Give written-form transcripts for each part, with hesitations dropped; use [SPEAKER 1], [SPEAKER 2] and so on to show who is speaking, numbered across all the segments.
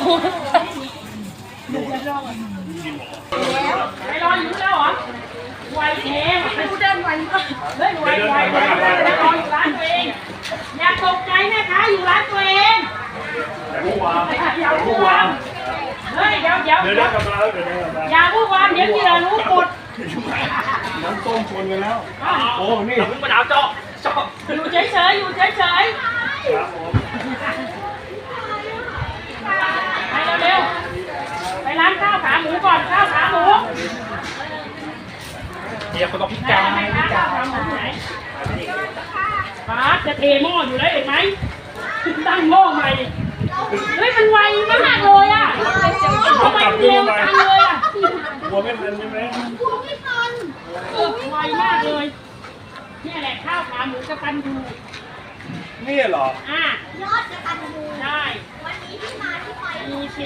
[SPEAKER 1] ไปรออยู่แล้วเหรอไวแท้ไม่รู้เดินไวมากเฮ้ยไวรออยู่ร้านตัวเองอย่าตกใจนะคะอยู่ร้านตัวเองอย่าพูดวามเฮ้ยเดี๋ยวอย่าพูดวามเดี๋ยวที่เรารู้หมด
[SPEAKER 2] น้ำต้มชนกันแล้วโอ้นี่
[SPEAKER 3] มึงมาดาวเจาะ
[SPEAKER 1] อยู่เฉยอยู่เฉย
[SPEAKER 2] ครับผม
[SPEAKER 1] ไปเร็วๆไปร้านข้าวขาหมูก่อนข้าวขาหมู
[SPEAKER 3] เดี๋ยวคนต้องพิการ
[SPEAKER 1] ข้าวขาหมูไหนป้าจะเทหม้ออยู่แล้วเห็นไหมตั้งหม้อใหม่เฮ้ยมันไวมากเลยอ่ะทำไมมันเร็วจังเลยอ่ะ
[SPEAKER 2] หัวไม่ทันใช่ไหม
[SPEAKER 1] ไวมากเลยนี่แหละข้าวขาหมูกระตันยู
[SPEAKER 2] นี่เหรอย
[SPEAKER 4] อดกระตันยู
[SPEAKER 1] ได้
[SPEAKER 4] วันนี้ที่มาที่ไป
[SPEAKER 1] มีสิ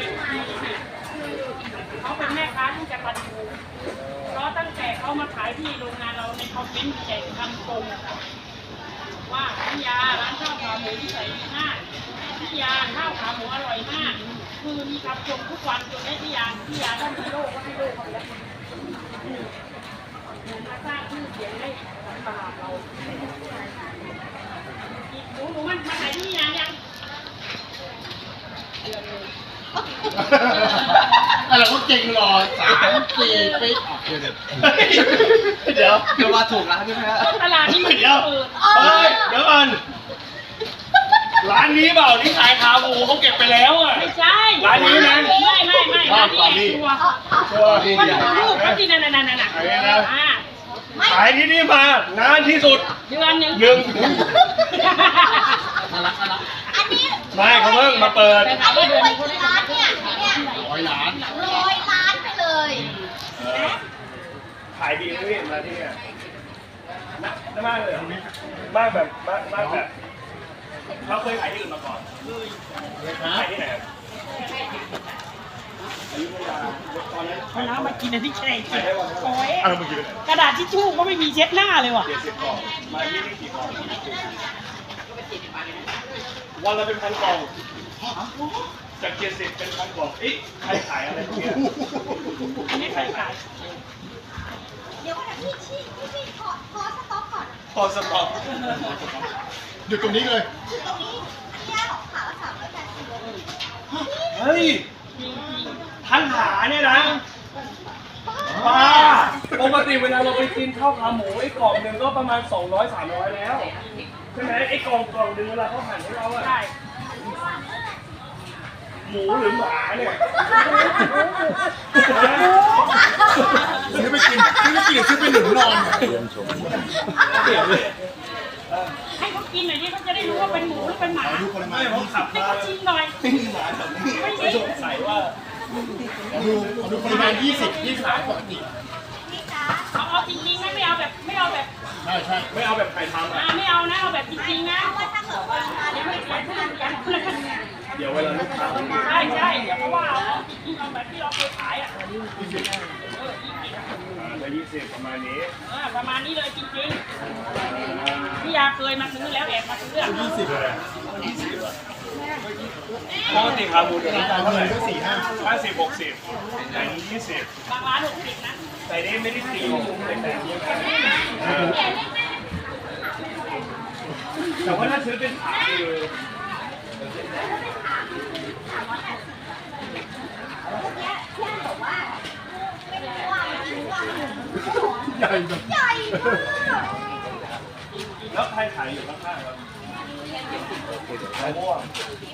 [SPEAKER 1] เขาเป็นแม่ค้าที่กระตันยูเพราะตั้งแต่เขามาขายที่โรงงานเราในคอมเมนต์แจกคำชมว่าพี่ยาร้านข้าวขาหมูที่ใส่ดีมากพี่ยาข้าวขาหมูอร่อยมากคือมีคำชมทุกวันจนได้พี่ยาท่านฮีโร่ก็ให้โลกเขาไปแล้วมาสร้างชื่อเสียงให้กับตลาดเราหนูมันมาขายที่ยัง
[SPEAKER 5] อะไรก็เก่งรอ3-4 ปีเดี๋ยวมาถูกร้านใช่ไหมฮะ
[SPEAKER 1] ตลาดนี้มัน
[SPEAKER 2] เดี๋ยว
[SPEAKER 1] เปิด
[SPEAKER 2] เฮ้ยเดี๋ยวก่อนร้านนี้เปล่าที่ขายขาหมูเขาเก็บไปแล้วอ่ะ
[SPEAKER 1] ไม่ใช่
[SPEAKER 2] ร้านนี้นะ
[SPEAKER 1] ไม่ร้านนี้ตัว
[SPEAKER 2] ตัว
[SPEAKER 1] ก็ดูรูปก็ที่นั่น
[SPEAKER 2] ขายที่นี่มานานที่สุด
[SPEAKER 1] เดือนหนึ่ง
[SPEAKER 2] หนึ่ง
[SPEAKER 5] น่ารัก
[SPEAKER 4] อันนี้
[SPEAKER 2] ไม่เขาเพิ่งมาเปิด
[SPEAKER 4] อันนี้รวยกี่ล้านเนี่ย
[SPEAKER 5] 100 ล้าน
[SPEAKER 4] 100 ล้านไปเลย
[SPEAKER 2] ขายดีไหมพี่มาที่เนี่ยมากเลยมากแบบเขาเคยขายที่อื่นมาก่อนขายที่ไหน
[SPEAKER 1] เอาน้ำมากินอันที่แช่กินโอ้ย
[SPEAKER 2] อะไรเมื่อกี้
[SPEAKER 1] กระดาษทิชชู่ก็ไม่มีเช็ดหน้าเลยว่ะ
[SPEAKER 2] 70 กล่องมาที่นี่กี่กล่องวันละเป็นพันกล่องจาก70เป็นพันกล่องเอ๊ะใครขายอะไรพวกนี้
[SPEAKER 1] อันนี้ใครขาย
[SPEAKER 4] เดี๋ยวก่อนนะพี่ขอสต็อกก่อน
[SPEAKER 2] พอสต็อก
[SPEAKER 5] หยุดตรงนี้เลย
[SPEAKER 4] คือตรงนี้พี่ย่าของขาละ380
[SPEAKER 2] เฮ้ยทั้งขาเนี่ยนะป้าปกติเวลาเราไปกินข้าวขาหมูไอ้กล่องหนึ่งก็ประมาณ200-300แล้วใช่ไหมไอ้กล่องหนึ่งเวลาเขาหั่นให้เราอะ
[SPEAKER 1] ใช่
[SPEAKER 2] หมูหรือหมาเนี่ย
[SPEAKER 5] ซื้อไปกินซื้อไปหนุนนอน
[SPEAKER 1] ให้เขากินหน่อยดิเขาจะได้รู้ว่าเป็นหมูหรือเป็นหมา
[SPEAKER 5] ดูปริมา
[SPEAKER 2] ไม่
[SPEAKER 5] ณ
[SPEAKER 2] ผมขับ
[SPEAKER 1] ให้
[SPEAKER 2] มา
[SPEAKER 1] เขาชิมหน่อย
[SPEAKER 2] หมาแบบนี้ไม่สงสัยว่า
[SPEAKER 5] ดูปริมาณ20 ที่ขายปกติ
[SPEAKER 4] นี่จ้า
[SPEAKER 1] เอาจริงๆนะไม่เอาแบบ
[SPEAKER 5] ใช่
[SPEAKER 2] ไม่เอาแบบไข่ทำอ่ะ
[SPEAKER 1] ไม่เอานะเอาแบบจริงๆนะ
[SPEAKER 4] เพราะว่าถ้าเกิดว่ามา
[SPEAKER 1] เดี๋ยวไม่เสียชื่อกัน
[SPEAKER 2] เดี๋ยวเวลาลูกค้าไม่มี
[SPEAKER 1] ใช่เดี๋ยวเพราะว่าเอาจริงๆเอาแบบที่เราเคยขายอ่ะ
[SPEAKER 2] 120ประมาณนี้
[SPEAKER 1] ประมาณนี้เลยจริงๆพี่ยาเคยมาซื้อแล้วแอบมาซื้อ
[SPEAKER 2] ปกติขาหมูเดี๋ยวราคาเท่าไหร่
[SPEAKER 5] ก็4-5
[SPEAKER 2] 50-60แต่นี้20
[SPEAKER 1] บางร้าน60นะ
[SPEAKER 2] แต่นี้ไม่ได้ตีแต่ว่าถ้าซื้อเป็นขาคือ
[SPEAKER 5] ใหญ่แบบ
[SPEAKER 4] ใหญ่มาก
[SPEAKER 2] แล้วใครขายอยู่ข้างๆครับมะม่วง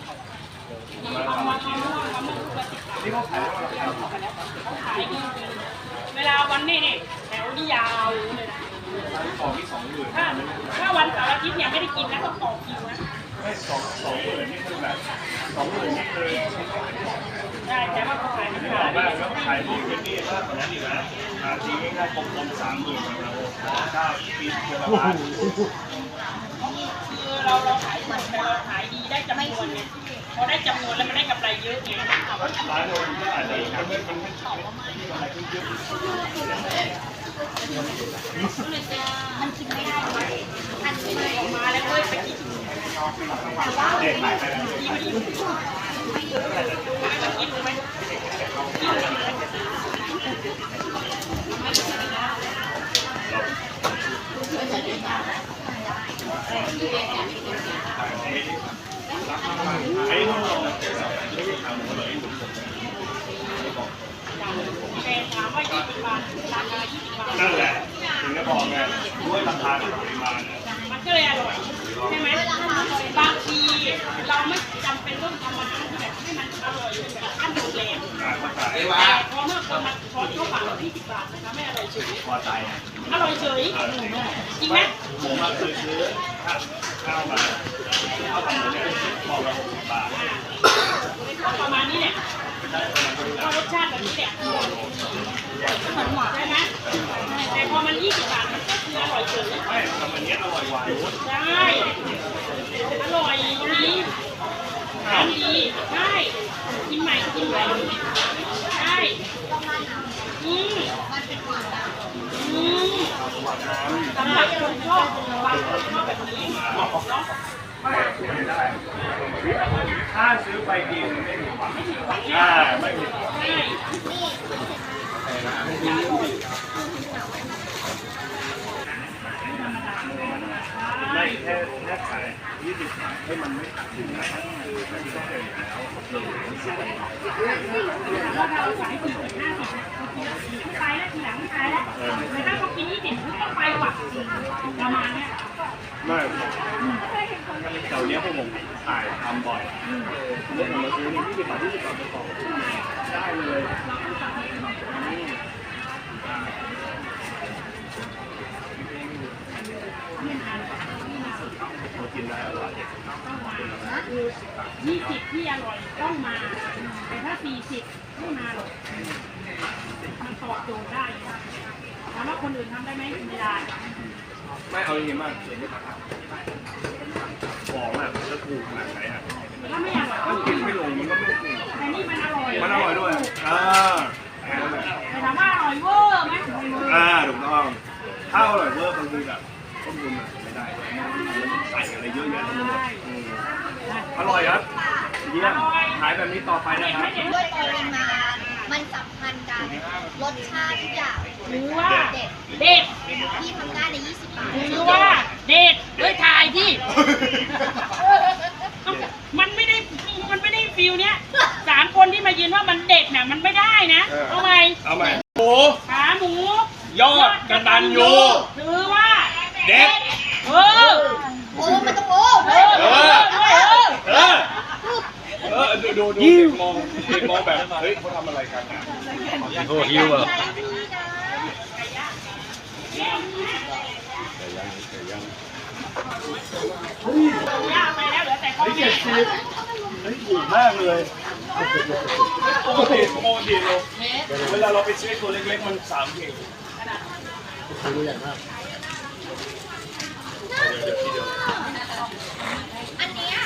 [SPEAKER 2] นี่เขาขายว่าราคา
[SPEAKER 1] ขายดีเวลาวันนี้นี่แถวนี่ยาวเลยนะ
[SPEAKER 2] ของที่20,000
[SPEAKER 1] ถ้าวันเสาร์อาทิตย์เนี่ยไม่ได้กินนะต้องต่อคิวนะ
[SPEAKER 2] ไม่20,000นี่คือแบบ20,000นี่คือ
[SPEAKER 1] ได้แต่ว่าเขาขายไม่
[SPEAKER 2] ไม่
[SPEAKER 1] ได้
[SPEAKER 2] ออกมากแล้วขายที่เป็นนี่มากกว่านั้นอีกนะทีง่ายๆกลมๆ30,000นะครับข้าวปีเดือนละล้าน
[SPEAKER 1] คือเราขายหมดแต่เราขายดีได้จำนวนไงพอได้จำนวนแล้วมันได้กำไรเยอะไง
[SPEAKER 2] ร้านเราก็อาจจะมันไม่อะไรขึ้นเยอะ
[SPEAKER 4] มันกินไม่ได้เลยอันนี้เลย
[SPEAKER 1] ออกมาแล้วเว้ยไปกิน
[SPEAKER 2] เด็กขายไปแล้ว
[SPEAKER 1] ที่ไม่ได้อยู่ไม่ได้กินแต่พอเมื่อคนมาขอเข้าปาก20 บาทนะคะไม่อร่อยเฉย
[SPEAKER 2] พอใจ
[SPEAKER 1] อร่อยเฉยจริงไหม
[SPEAKER 2] ผมมาเคยซื้อข้าวมาข้าวผัดเนี่ยบอกละ60 บาท
[SPEAKER 1] ก็ประมาณนี้แหละก็รสชาติแบบนี้แหละใช่ไหมแต่พอมัน20 บาทมันก็คืออร่อยเฉย
[SPEAKER 2] ไม่ทำอันนี้อร่อยกว่า
[SPEAKER 1] ใช่อร่อยดีทานดีใช่กินใหม่กินใหม่ใช่สำหรับคนชอบบางคนชอบแบบนี้เนาะ
[SPEAKER 2] ไม่ได้ถ้าซื้อไปกินไม่ผิดหวังไม่ผิดหวังไม่ผิดหวัง
[SPEAKER 1] ใช่
[SPEAKER 2] ไม่แค่ขาย20 บาทให้มันไม่ขาดทุนนะครับมันก็เป็นแล้ว
[SPEAKER 1] แล้วเราขาย40 50ไม่ไปแล้วทีหลังไม่ไปแล้วแต่ถ้าเขากิน20ก็ต้องไปว่ะประมาณเนี้ย
[SPEAKER 2] ไม่แถวเนี้ยพวกผมถ่ายทำบ่อยเรื่องผมมาซื้อนี่20 บาท20 บาทไปต่อได้เลยมากินได้อร่อย
[SPEAKER 1] 20ที่อร่อยต้องมา แต่ถ้า40ไม่มาหรอกมันตอบโจทย์ได้ถามว่าคนอื่นทำได้ไหมไม่ได้
[SPEAKER 2] ไม่เอาอย่างนี้มากของอ่ะจะถูกขนาดไหนอ่ะ
[SPEAKER 1] ถ้าไม่อร่อยก็
[SPEAKER 2] กินไม่ลงมันก็ไม่ถูก
[SPEAKER 1] แต่นี่มันอร่อย
[SPEAKER 2] มันอร่อยด้วยนั่นแหละ
[SPEAKER 1] แต่ถามว่าอร่อยเวอร์ไหม
[SPEAKER 2] ถูกต้องถ้าอร่อยเวอร์บางทีแบบต้มยำไม่ได้มันใส่อะไรเยอะแยะอร่อยครับเยี่ยมขายแบบนี้ต่อไปนะครับ
[SPEAKER 4] ด้วยปริมาณมันสัมพันธ์กันรสชาติทุกอย่าง
[SPEAKER 1] หรือว่า
[SPEAKER 4] เด็ด
[SPEAKER 1] เด็ด
[SPEAKER 4] ที่ทำได้ใน20 บาท
[SPEAKER 1] หรือว่าเด็ดด้วยถ่ายที่มันไม่ได้ฟิลเนี้ย3 คนที่มายืนว่ามันเด็ดน่ะมันไม่ได้นะเอาไหม
[SPEAKER 2] เอาใหม่หมู
[SPEAKER 1] ขาหมู
[SPEAKER 2] ยอดกระตันยู
[SPEAKER 1] หรือว่า
[SPEAKER 2] เด็ด
[SPEAKER 1] เออ
[SPEAKER 4] โอ้มันต้องโอ้
[SPEAKER 1] เออ
[SPEAKER 2] ดูเด็กมองแบบเฮ้ยเขาทำอะไรกันอ่ะ
[SPEAKER 5] โอ้หิวอ่ะ
[SPEAKER 1] ย่าไปแล้วเหลือแต่ข้าว
[SPEAKER 2] เฮ้ย
[SPEAKER 1] เหนียว
[SPEAKER 2] เฮ้ยถูกมากเลยปกติเราเวลาเราไปซื้อตัวเล็กๆมัน3 เข่ง
[SPEAKER 5] ดูใหญ่มาก
[SPEAKER 4] อันเนี้ย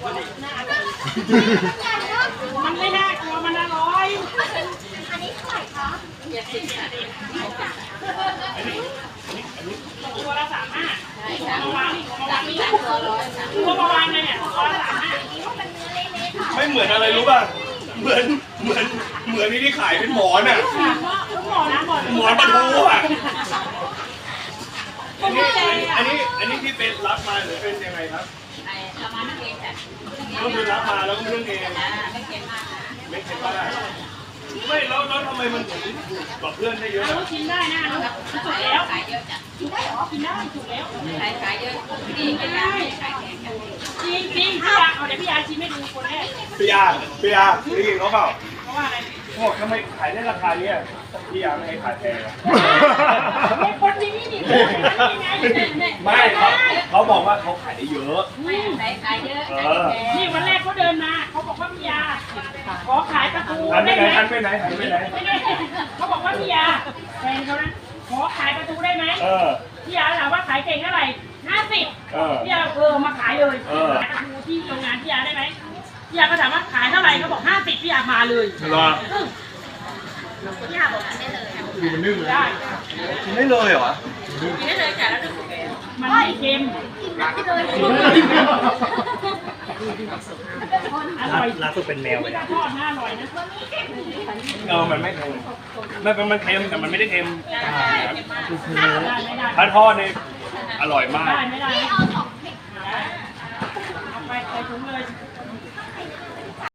[SPEAKER 1] มันไม่น่ากลัวมันอร่อย
[SPEAKER 4] อันนี้เท่าไหร่คะ
[SPEAKER 1] ตัวละ35ตัวมาวางนี่ตัวมาวางเลยเนี่ยตัวละ35
[SPEAKER 2] ไม่เหมือนอะไรรู้ป่ะเหมือนที่ขายเป็นหมอนอ่ะ
[SPEAKER 1] หมอนะหมอ
[SPEAKER 2] หมอนปลาทูอ่ะอันนี้ที่เป็นรับมาหรือเป็นยังไงครับก็คือรับมาแล้วก็เรื่องเองไม่เค็มมากไม่แล้วทำไมมันถึงกับเพื่อนได้เยอะ
[SPEAKER 1] รู้ชิมได้นะสุกแล้วกินได้เหรอกินได้สุกแล้วจริงพี่ยาเอาเดี๋ยวพี่ยาชิมให้ดูคนแรก
[SPEAKER 2] พี่อาได้ยินเขาเปล่า
[SPEAKER 1] เพราะว่าอะไร
[SPEAKER 2] เขาบอกทำไมขายได้ราคาเนี้ยพี่อาไม่ให้ขายแพง
[SPEAKER 1] เป็นคนที่นี่ดิ
[SPEAKER 2] ไม่เขาบอกว่าเขาขายได้เยอะ
[SPEAKER 1] นี่วันแรกเขาเดินมาเขาบอกว่าพี่ยาขอขายปลาทู
[SPEAKER 2] หันไป
[SPEAKER 1] ได้
[SPEAKER 2] ไหน
[SPEAKER 1] ไหม
[SPEAKER 2] หันไปไหนหันไปไหน
[SPEAKER 1] เขาบอกว่าพี่ยาแฟนเขานะขอขายปลาทูได้ไหม พี่ยาถามว่าขายเก่งเท่าไหร่50พี่ยามาขายเลยขายปลาทูที่โรงงานพี่ยาได้ไหมพี่ยาก็ถามว่าขายเท่าไหร่เขาบอก50พี่ยามาเลย
[SPEAKER 2] รอ
[SPEAKER 4] พี่หาบอกอันได้เลย
[SPEAKER 5] ดูมันนึ่งเลย
[SPEAKER 1] ได้
[SPEAKER 2] กินได้เลยเหรอ
[SPEAKER 1] มันไม่เค็มอร่อย
[SPEAKER 5] ล่าสุดเป็นแมวเลย
[SPEAKER 1] ถ้าทอดน่าอร่อยนะ
[SPEAKER 2] มันไม่เค็มมันเค็มแต่มันไม่ได้เค็ม
[SPEAKER 1] ไม่ได้
[SPEAKER 2] ถ้าทอดนี่อร่อยมาก
[SPEAKER 1] ไม่ได้
[SPEAKER 4] พี่เอา2 เผ็ด
[SPEAKER 1] เอาไปใส่ถุงเลย